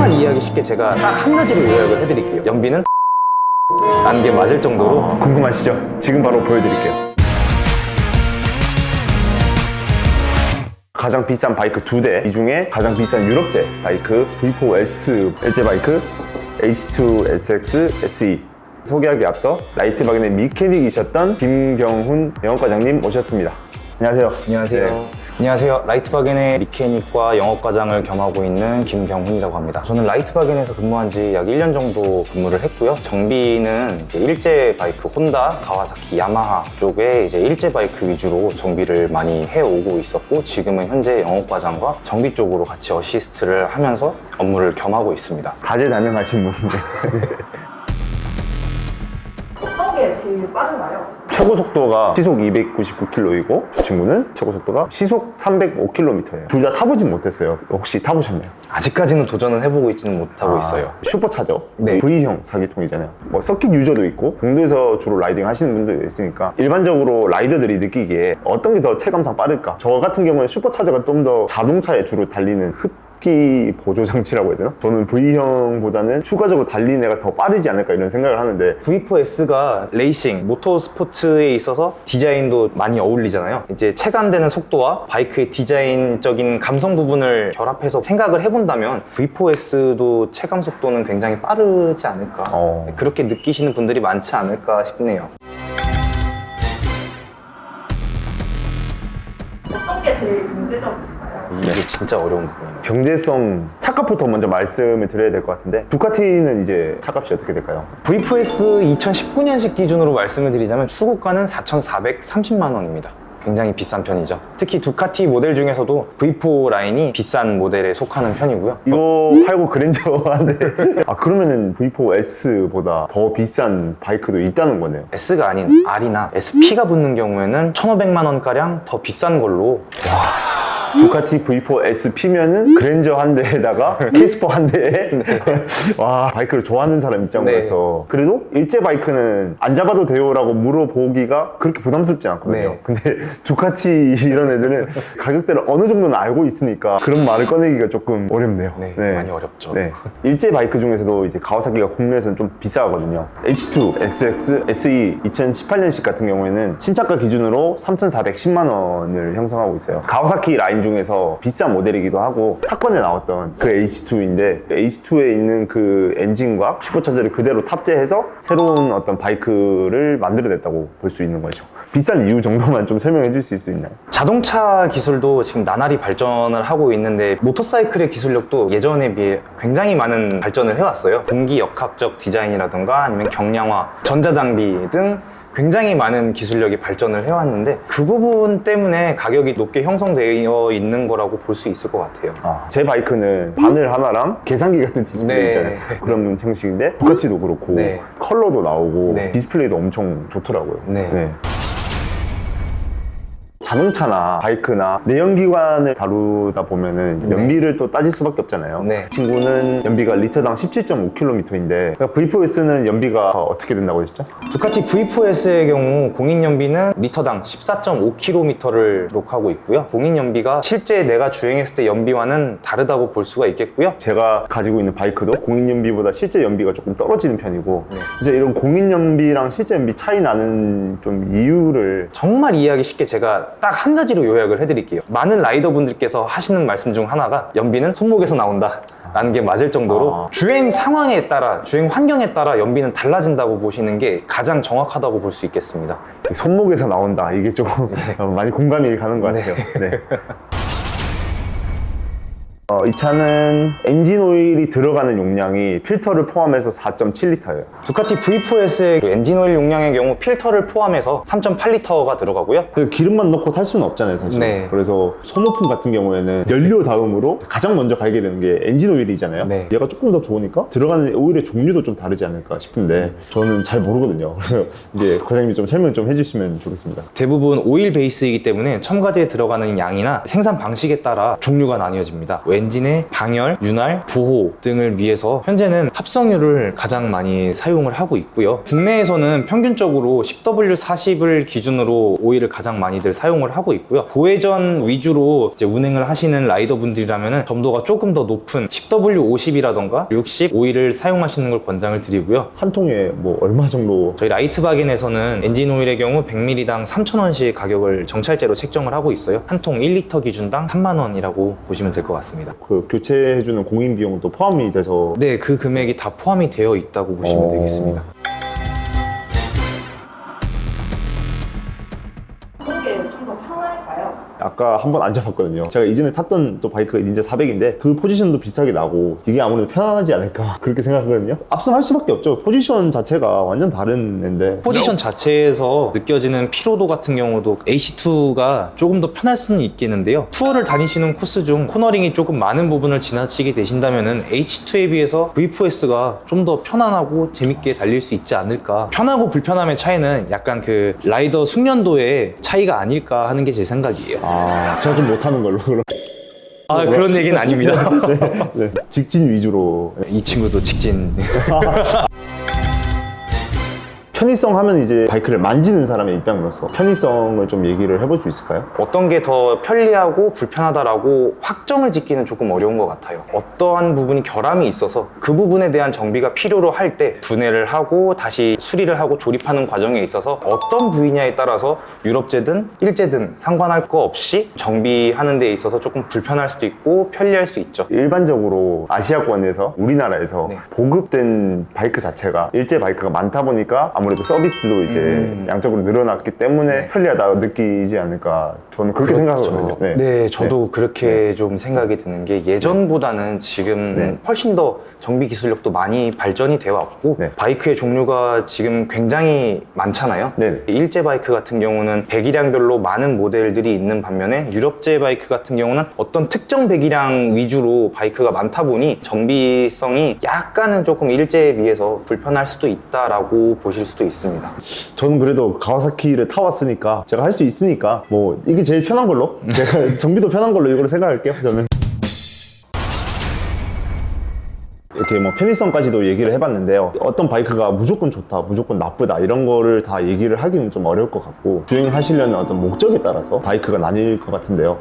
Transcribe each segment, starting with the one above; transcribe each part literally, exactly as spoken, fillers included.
정말 이해하기 쉽게 제가 딱 한 가지로 요약을 해드릴게요. 연비는 라는 게 맞을 정도로. 아, 궁금하시죠? 지금 바로 보여드릴게요. 가장 비싼 바이크 두 대, 이 중에 가장 비싼 유럽제 바이크 브이 포 에스 엘제 바이크 에이치 투 에스 엑스 에스이 소개하기 앞서 라이트바겐의 미케닉이셨던 김경훈 영업과장님 모셨습니다. 안녕하세요. 안녕하세요. 네. 안녕하세요. 라이트바겐의 미케닉과 영업과장을 겸하고 있는 김경훈이라고 합니다. 저는 라이트바겐에서 근무한 지 약 일 년 정도 근무를 했고요. 정비는 이제 일제 바이크 혼다, 가와사키, 야마하 쪽에 이제 일제 바이크 위주로 정비를 많이 해오고 있었고, 지금은 현재 영업과장과 정비 쪽으로 같이 어시스트를 하면서 업무를 겸하고 있습니다. 다재다능하신 분인데 어떤 게 제일 빠른가요? 최고 속도가 시속 이백구십구 킬로미터이고 저 친구는 최고 속도가 시속 삼백오 킬로미터예요. 둘 다 타보진 못했어요. 혹시 타보셨나요? 아직까지는 도전은 해보고 있지는 못하고 아, 있어요. 슈퍼차저 네. V형 사기통이잖아요. 뭐 서킷 유저도 있고 공도에서 주로 라이딩 하시는 분도 있으니까 일반적으로 라이더들이 느끼기에 어떤 게 더 체감상 빠를까? 저 같은 경우는 슈퍼차저가 좀 더 자동차에 주로 달리는 흡기 보조 장치라고 해야 되나? 저는 V형보다는 추가적으로 달리는 애가 더 빠르지 않을까 이런 생각을 하는데, 브이 포 에스가 레이싱, 모터 스포츠에 있어서 디자인도 많이 어울리잖아요. 이제 체감되는 속도와 바이크의 디자인적인 감성 부분을 결합해서 생각을 해본다면 브이 포 에스도 체감 속도는 굉장히 빠르지 않을까. 어. 그렇게 느끼시는 분들이 많지 않을까 싶네요. 어떤 게 제일 경제적인가요? 이게 진짜 어려운 부분이에요. 경제성 차값부터 먼저 말씀을 드려야 될 것 같은데, 두카티는 이제 차값이 어떻게 될까요? 브이 포 에스 이천십구 년식 기준으로 말씀을 드리자면 출고가는 사천사백삼십만 원입니다. 굉장히 비싼 편이죠. 특히 두카티 모델 중에서도 브이 포 라인이 비싼 모델에 속하는 편이고요. 이거 팔고 그랜저한데 아 그러면은 브이 포 에스보다 더 비싼 바이크도 있다는 거네요. S가 아닌 R이나 에스피가 붙는 경우에는 천오백만 원가량 더 비싼 걸로. 두카티 브이 포 에스 피면은 그랜저 한 대에다가 캐스퍼 한 대에 와, 바이크를 좋아하는 사람 입장으로서 그래도 일제 바이크는 안 잡아도 돼요 라고 물어보기가 그렇게 부담스럽지 않거든요. 네. 근데 두카티 이런 애들은 가격대를 어느 정도는 알고 있으니까 그런 말을 꺼내기가 조금 어렵네요. 네, 많이 어렵죠. 네. 일제 바이크 중에서도 이제 가와사키가 국내에서는 좀 비싸거든요. 에이치 투 에스 엑스 에스이 이천십팔 년식 같은 경우에는 신차가 기준으로 삼천사백십만 원을 형성하고 있어요. 가와사키 라인 중에서 비싼 모델이기도 하고 탑건에 나왔던 그 에이치 투인데 에이치 투에 있는 그 엔진과 슈퍼차저를 그대로 탑재해서 새로운 어떤 바이크를 만들어냈다고 볼 수 있는 거죠. 비싼 이유 정도만 좀 설명해 줄 수 있나요? 자동차 기술도 지금 나날이 발전을 하고 있는데 모터사이클의 기술력도 예전에 비해 굉장히 많은 발전을 해왔어요. 공기 역학적 디자인이라든가 아니면 경량화, 전자장비 등 굉장히 많은 기술력이 발전을 해왔는데 그 부분 때문에 가격이 높게 형성되어 있는 거라고 볼 수 있을 것 같아요. 아, 제 바이크는 바늘 하나랑 계산기 같은 디스플레이 네. 있잖아요. 그런 형식인데 두카티도 그렇고 네. 컬러도 나오고 네. 디스플레이도 엄청 좋더라고요. 네. 자동차나 바이크나 내연기관을 다루다 보면은 네. 연비를 또 따질 수밖에 없잖아요. 네. 친구는 연비가 리터당 십칠 점 오 킬로미터인데 그러니까 브이 포 에스는 연비가 어떻게 된다고 했죠? 두카티 브이 포 에스의 경우 공인 연비는 리터당 십사 점 오 킬로미터를 기록하고 있고요. 공인 연비가 실제 내가 주행했을 때 연비와는 다르다고 볼 수가 있겠고요. 제가 가지고 있는 바이크도 공인 연비보다 실제 연비가 조금 떨어지는 편이고 네. 이제 이런 공인 연비랑 실제 연비 차이 나는 좀 이유를 정말 이해하기 쉽게 제가 딱 한 가지로 요약을 해드릴게요. 많은 라이더분들께서 하시는 말씀 중 하나가 연비는 손목에서 나온다 라는 게 맞을 정도로 아. 주행 상황에 따라, 주행 환경에 따라 연비는 달라진다고 보시는 게 가장 정확하다고 볼 수 있겠습니다. 손목에서 나온다. 이게 조금 네. 많이 공감이 가는 것 같아요. 네. 어, 이 차는 엔진 오일이 들어가는 용량이 필터를 포함해서 사 점 칠 리터예요. 두카티 브이 포 에스의 엔진 오일 용량의 경우 필터를 포함해서 삼 점 팔 리터가 들어가고요. 기름만 넣고 탈 수는 없잖아요, 사실. 네. 그래서 소모품 같은 경우에는 연료 다음으로 가장 먼저 갈게 되는 게 엔진 오일이잖아요. 네. 얘가 조금 더 좋으니까 들어가는 오일의 종류도 좀 다르지 않을까 싶은데 저는 잘 모르거든요. 그래서 이제 과장님이 좀 설명 좀 해주시면 좋겠습니다. 대부분 오일 베이스이기 때문에 첨가제에 들어가는 양이나 생산 방식에 따라 종류가 나뉘어집니다. 엔진의 방열, 윤활, 보호 등을 위해서 현재는 합성유를 가장 많이 사용을 하고 있고요. 국내에서는 평균적으로 십 더블유 사십을 기준으로 오일을 가장 많이들 사용을 하고 있고요. 고회전 위주로 이제 운행을 하시는 라이더분들이라면 점도가 조금 더 높은 십 더블유 오십이라던가 육십 오일을 사용하시는 걸 권장을 드리고요. 한 통에 뭐 얼마 정도? 저희 라이트바겐에서는 엔진 오일의 경우 백 밀리리당 삼천 원씩 가격을 정찰제로 책정을 하고 있어요. 한 통 일 리터 기준당 삼만 원이라고 보시면 될 것 같습니다. 그 교체해주는 공인 비용도 포함이 돼서 네, 그 금액이 다 포함이 되어 있다고 보시면 어. 되겠습니다. 어떤 게 좀 더 편할까요? 아까 한번 앉아봤거든요. 제가 이전에 탔던 또 바이크가 닌자 사백인데 그 포지션도 비슷하게 나고 이게 아무래도 편안하지 않을까 그렇게 생각하거든요. 압승할 수밖에 없죠. 포지션 자체가 완전 다른 앤데 포지션 자체에서 느껴지는 피로도 같은 경우도 에이씨2가 조금 더 편할 수는 있겠는데요. 투어를 다니시는 코스 중 코너링이 조금 많은 부분을 지나치게 되신다면 에이치투에 비해서 브이포에스가 좀 더 편안하고 재밌게 달릴 수 있지 않을까. 편하고 불편함의 차이는 약간 그 라이더 숙련도의 차이가 아닐까 하는 게 제 생각이에요. 아 제가 좀 못하는 걸로 그럼. 아, 그런 얘기는 아닙니다. 네, 네. 직진 위주로. 이 친구도 직진. 편의성 하면 이제 바이크를 만지는 사람의 입장으로서 편의성을 좀 얘기를 해볼 수 있을까요? 어떤 게 더 편리하고 불편하다라고 확정을 짓기는 조금 어려운 것 같아요. 어떠한 부분이 결함이 있어서 그 부분에 대한 정비가 필요로 할 때 분해를 하고 다시 수리를 하고 조립하는 과정에 있어서 어떤 부위냐에 따라서 유럽제든 일제든 상관할 거 없이 정비하는 데 있어서 조금 불편할 수도 있고 편리할 수 있죠. 일반적으로 아시아권에서 우리나라에서 네. 보급된 바이크 자체가 일제 바이크가 많다 보니까 아무래도 서비스도 이제 음. 양적으로 늘어났기 때문에 네. 편리하다 느끼지 않을까 저는 그렇게 생각하거든요. 네, 네 저도 그렇게 좀 생각이 드는 게 예전보다는 지금 네. 훨씬 더 정비 기술력도 많이 발전이 되어 왔고 네. 바이크의 종류가 지금 굉장히 많잖아요. 네. 일제 바이크 같은 경우는 배기량별로 많은 모델들이 있는 반면에 유럽제 바이크 같은 경우는 어떤 특정 배기량 위주로 바이크가 많다 보니 정비성이 약간은 조금 일제에 비해서 불편할 수도 있다라고 보실 수도 있습니다. 저는 그래도 가와사키를 타왔으니까 제가 할 수 있으니까 뭐 이게 제일 편한 걸로 제가 정비도 편한 걸로 이걸 생각할게요. 저는 이렇게 뭐 편의성까지도 얘기를 해봤는데요. 어떤 바이크가 무조건 좋다, 무조건 나쁘다 이런 거를 다 얘기를 하기는 좀 어려울 것 같고 주행하시려는 어떤 목적에 따라서 바이크가 나뉠 것 같은데요.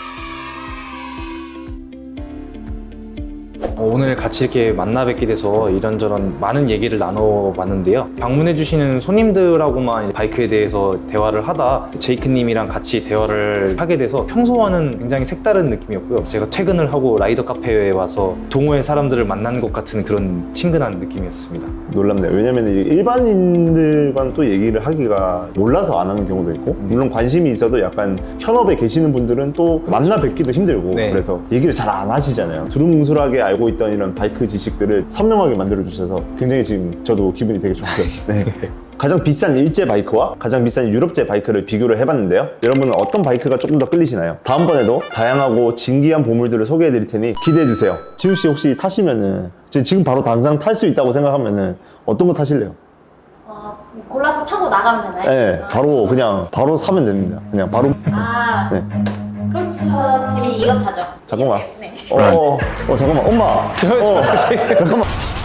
어, 오늘 같이 이렇게 만나 뵙게 돼서 이런저런 많은 얘기를 나눠봤는데요. 방문해주시는 손님들하고만 바이크에 대해서 대화를 하다 제이크님이랑 같이 대화를 하게 돼서 평소와는 굉장히 색다른 느낌이었고요. 제가 퇴근을 하고 라이더 카페에 와서 동호회 사람들을 만난 것 같은 그런 친근한 느낌이었습니다. 놀랍네요. 왜냐면 이게 일반인들과는 또 얘기를 하기가 몰라서 안 하는 경우도 있고 물론 관심이 있어도 약간 현업에 계시는 분들은 또 만나 뵙기도 힘들고 네. 그래서 얘기를 잘 안 하시잖아요. 두루뭉술하게 알고 있던 이런 바이크 지식들을 선명하게 만들어 주셔서 굉장히 지금 저도 기분이 되게 좋고요. 네. 가장 비싼 일제 바이크와 가장 비싼 유럽제 바이크를 비교를 해봤는데요. 여러분은 어떤 바이크가 조금 더 끌리시나요? 다음번에도 다양하고 진기한 보물들을 소개해 드릴 테니 기대해 주세요. 지우 씨 혹시 타시면은 지금 바로 당장 탈 수 있다고 생각하면은 어떤 거 타실래요? 어, 골라서 타고 나가면 되나요? 네, 바로 그냥 바로 사면 됩니다. 그냥 바로. 아, 네. 그럼 저는 이거 타죠. 잠깐만. 네. 어, 어, 어 잠깐만, 엄마. 저, 저, 어, 잠깐만.